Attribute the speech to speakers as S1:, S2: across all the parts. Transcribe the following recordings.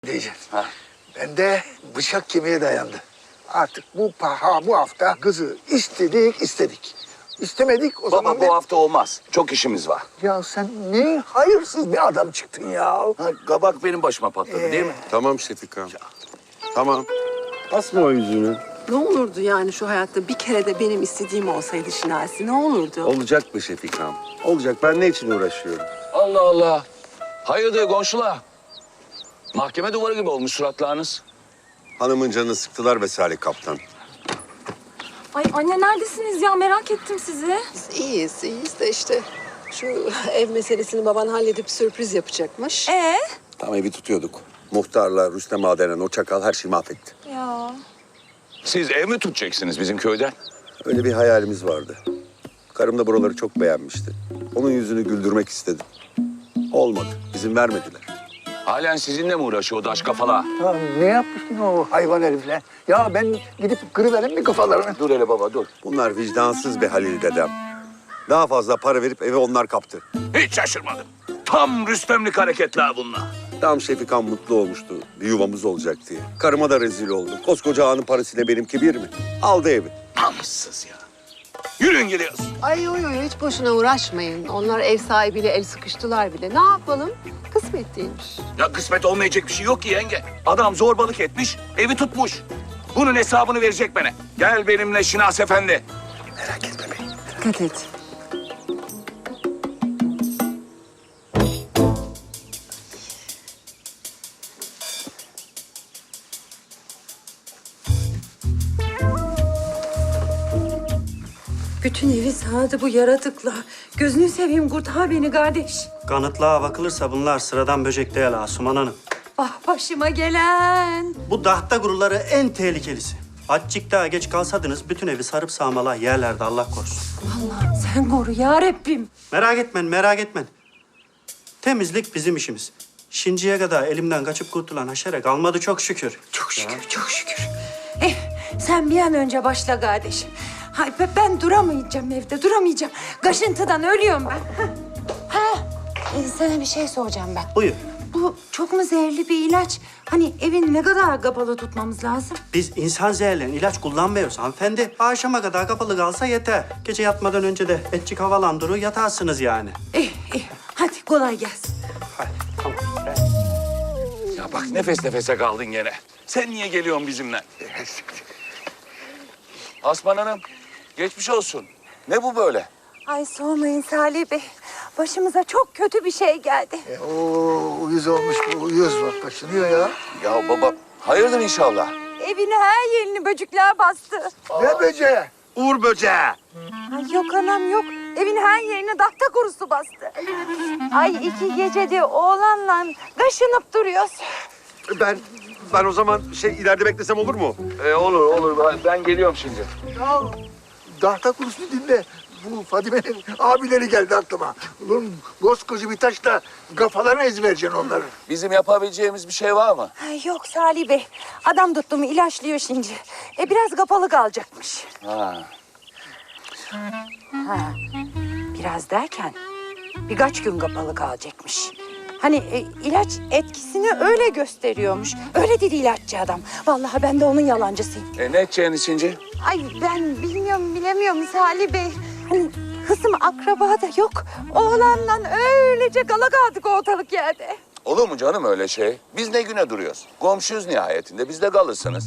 S1: Diyeceğim.
S2: Ha.
S1: Ben de bıçak kemiğe dayandı. Artık bu hafta kızı istedik. İstemedik o zaman...
S2: Baba bu hafta olmaz. Çok işimiz var.
S1: Ya sen ne hayırsız bir adam çıktın ya.
S2: Ha, kabak benim başıma patladı değil mi?
S3: Tamam Şefika. Tamam. Asma o yüzüğünü.
S4: Ne olurdu yani şu hayatta bir kere de benim istediğim olsaydı Şinasi, ne olurdu?
S3: Olacak mı Şefika'm? Olacak. Ben ne için uğraşıyorum?
S2: Allah Allah. Hayırdır komşular? Mahkeme duvarı gibi olmuş suratlarınız.
S3: Hanımın canını sıktılar be Salih Kaptan.
S5: Ay anne neredesiniz ya? Merak ettim sizi.
S4: Biz iyiyiz de işte şu ev meselesini baban halledip sürpriz yapacakmış.
S3: Tam evi tutuyorduk. Muhtarla Rüstem Ağa denen o çakal her şeyi mahvetti.
S5: Ya.
S2: Siz ev mi tutacaksınız bizim köyden?
S3: Öyle bir hayalimiz vardı. Karım da buraları çok beğenmişti. Onun yüzünü güldürmek istedim. Olmadı. İzin vermediler.
S2: Halen sizinle mi uğraşıyor o daş kafalar?
S1: Ya ne yapmışsın o hayvan herifle? Ya ben gidip kırıvereyim mi kafalarını?
S2: Dur hele baba dur.
S3: Bunlar vicdansız be Halil dedem. Daha fazla para verip evi onlar kaptı.
S2: Hiç şaşırmadım. Tam Rüstemlik hareketler bunlar.
S3: Tam Şefika'm mutlu olmuştu. Bir yuvamız olacak diye. Karıma da rezil oldu. Koskoca ağanın parasıyla benimki bir mi? Aldı evi.
S2: Namussuz ya. Yürüyün gidiyoruz.
S4: Ay yo hiç boşuna uğraşmayın. Onlar ev sahibiyle el sıkıştılar bile. Ne yapalım? Kısmet değilmiş.
S2: Ya kısmet olmayacak bir şey yok ki yenge. Adam zorbalık etmiş, evi tutmuş. Bunun hesabını verecek bana. Gel benimle Şinas Efendi.
S1: Merak etme beni.
S4: Dikkat et.
S5: Bütün evi sardı bu yaratıkla. Gözünü seveyim kurtar beni kardeş.
S6: Kanıtlığa bakılırsa bunlar sıradan böcek değil Asuman Hanım.
S5: Ah başıma gelen.
S6: Bu dahta guruları en tehlikelisi. Azıcık daha geç kalsadınız bütün evi sarıp sağmalar yerlerde Allah korusun.
S5: Allah'ım sen koru ya Rabbim.
S6: Merak etmeyin. Temizlik bizim işimiz. Şimdiye kadar elimden kaçıp kurtulan haşere kalmadı çok şükür.
S5: Çok şükür, çok şükür. Sen bir an önce başla kardeş. Hay ben duramayacağım evde, duramayacağım. Kaşıntıdan ölüyorum ben. Sana bir şey soracağım ben.
S6: Buyur.
S5: Bu çok mu zehirli bir ilaç? Hani evin ne kadar kapalı tutmamız lazım?
S6: Biz insan zehirleyen ilaç kullanmıyoruz hanımefendi. Akşama kadar kapalı kalsa yeter. Gece yatmadan önce de etçik havalandırır yatarsınız yani.
S5: İyi. Hadi kolay gelsin.
S6: Hadi tamam.
S2: Ya bak nefes nefese kaldın gene. Sen niye geliyorsun bizimle? Asman Hanım, geçmiş olsun. Ne bu böyle?
S5: Ay sormayın Salih Bey. Başımıza çok kötü bir şey geldi.
S1: O uyuz olmuş bu uyuz bak kaşınıyor ya.
S2: Ya baba, hayırdır inşallah.
S5: Evin her yerini böcekler bastı.
S1: Ne böceği?
S2: Uğur böceği.
S5: Ay yok anam yok. Evin her yerine dahta kurusu bastı. Ay 2 gecedir oğlanla kaşınıp duruyoruz.
S3: Ben o zaman ileride beklesem olur mu?
S2: Olur. Ben geliyorum şimdi.
S1: Ya dahta kurusunu dinle. Bu Fadime'nin abileri geldi aklıma. Ulan koskoca bir taşla kafalarına ezvereceksin onları.
S2: Bizim yapabileceğimiz bir şey var mı?
S5: Ay yok Salih Bey. Adam tuttu mu ilaçlıyor şimdi. Biraz kapalı kalacakmış.
S2: Ha.
S5: Biraz derken birkaç gün kapalı kalacakmış. Hani ilaç etkisini öyle gösteriyormuş. Öyle dedi ilaççı adam. Vallahi ben de onun yalancısıyım.
S2: Ne edeceğin içinci?
S5: Ay ben bilemiyorum Salih Bey. Hani kızım akraba da yok. Oğlanla öylece kala kaldık ortalık yerde.
S2: Olur mu canım öyle şey? Biz ne güne duruyoruz? Komşuyuz nihayetinde. Biz de kalırsınız.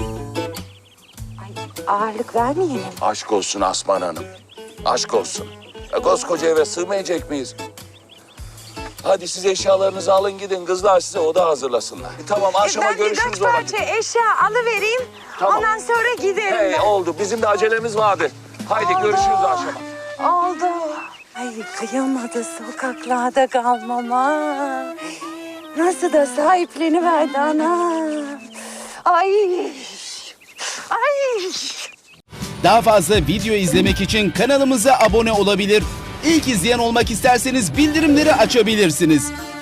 S5: Ay ağırlık vermeyelim.
S2: Aşk olsun Asman Hanım. Aşk olsun. Ya, koskoca eve sığmayacak mıyız? Hadi siz eşyalarınızı alın gidin. Kızlar size oda hazırlasınlar. Tamam akşama
S5: Ben
S2: görüşürüz
S5: birkaç
S2: o
S5: parça
S2: vakit.
S5: eşya alıvereyim.
S2: Tamam.
S5: Ondan sonra giderim
S2: Hey,
S5: ben.
S2: oldu. Bizim de acelemiz vardı. Haydi görüşürüz akşama.
S5: Oldu. Ay kıyamadı sokaklarda kalmama. Nasıl da sahipleniverdi anam. Ay. Ay.
S7: Daha fazla video izlemek için kanalımıza abone olabilir. İlk izleyen olmak isterseniz bildirimleri açabilirsiniz.